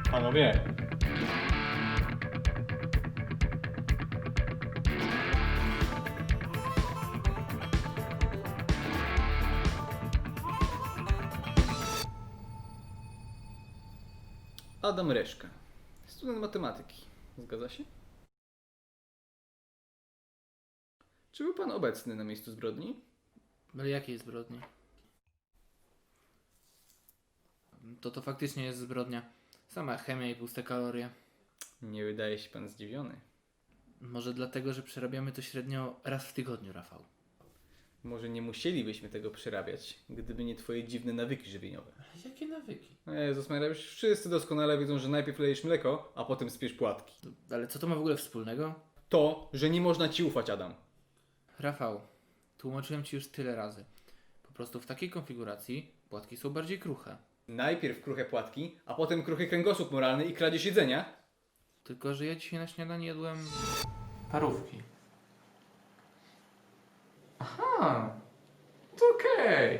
Panowie, Adam Reszka, student matematyki. Zgadza się? Czy był pan obecny na miejscu zbrodni? Ale jakiej zbrodni? To faktycznie jest zbrodnia. Sama chemia i puste kalorie. Nie wydaje się pan zdziwiony. Może dlatego, że przerabiamy to średnio raz w tygodniu, Rafał. Może nie musielibyśmy tego przerabiać, gdyby nie twoje dziwne nawyki żywieniowe. Jakie nawyki? Jezus Maria, już wszyscy doskonale wiedzą, że najpierw lejesz mleko, a potem spiesz płatki. Ale co to ma w ogóle wspólnego? To, że nie można ci ufać, Adam. Rafał, tłumaczyłem ci już tyle razy. Po prostu w takiej konfiguracji płatki są bardziej kruche. Najpierw kruche płatki, a potem kruchy kręgosłup moralny i kradzież jedzenia. Tylko, że ja dzisiaj na śniadanie jadłem parówki. Aha, to okej.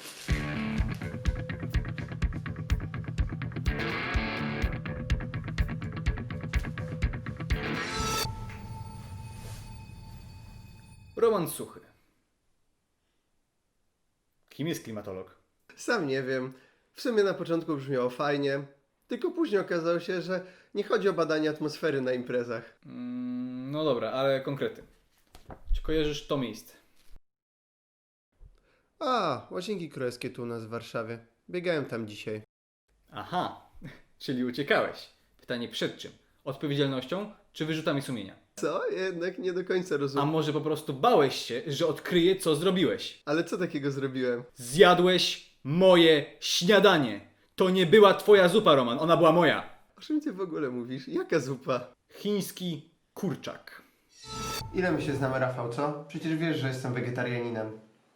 Roman Suchy. Kim jest klimatolog? Sam nie wiem. W sumie na początku brzmiało fajnie, tylko później okazało się, że nie chodzi o badanie atmosfery na imprezach. No dobra, ale konkrety. Czy kojarzysz to miejsce? A, Łazienki Królewskie tu u nas w Warszawie. Biegałem tam dzisiaj. Aha, czyli uciekałeś. Pytanie przed czym? Odpowiedzialnością czy wyrzutami sumienia? Co? Jednak nie do końca A rozumiem. może po prostu bałeś się, że odkryję, co zrobiłeś? Ale co takiego zrobiłem? Zjadłeś moje śniadanie. To nie była twoja zupa, Roman, ona była moja. O czym ty w ogóle mówisz? Jaka zupa? Chiński kurczak. Ile my się znamy, Rafał, co? Przecież wiesz, że jestem wegetarianinem.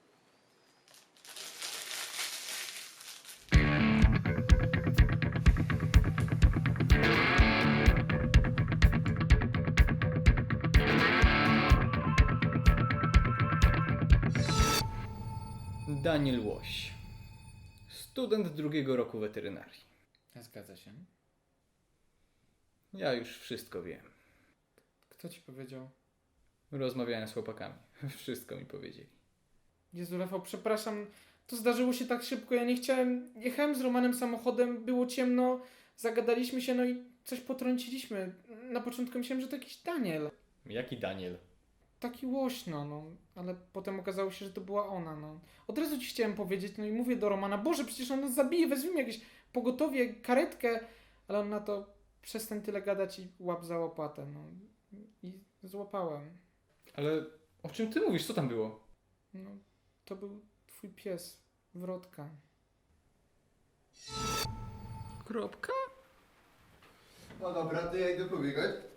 Daniel Łoś. Student drugiego roku weterynarii. Zgadza się. Ja już wszystko wiem. Kto ci powiedział? Rozmawiałem z chłopakami. Wszystko mi powiedzieli. Jezu, Rafał, przepraszam, to zdarzyło się tak szybko, ja nie chciałem, jechałem z Romanem samochodem, było ciemno, zagadaliśmy się, no i coś potrąciliśmy. Na początku myślałem, że to jakiś Daniel, Jaki Daniel? taki łośno, no, ale potem okazało się, że to była ona, no. Od razu ci chciałem powiedzieć, no i mówię do Romana, Boże, przecież on nas zabije, weźmiemy jakieś pogotowie, karetkę, ale on na to, przestań tyle gadać i łap za łopatę, no. I złapałem. Ale o czym ty mówisz? Co tam było? No, to był twój pies, Wrotka. Kropka? No dobra, to ja idę pobiegać.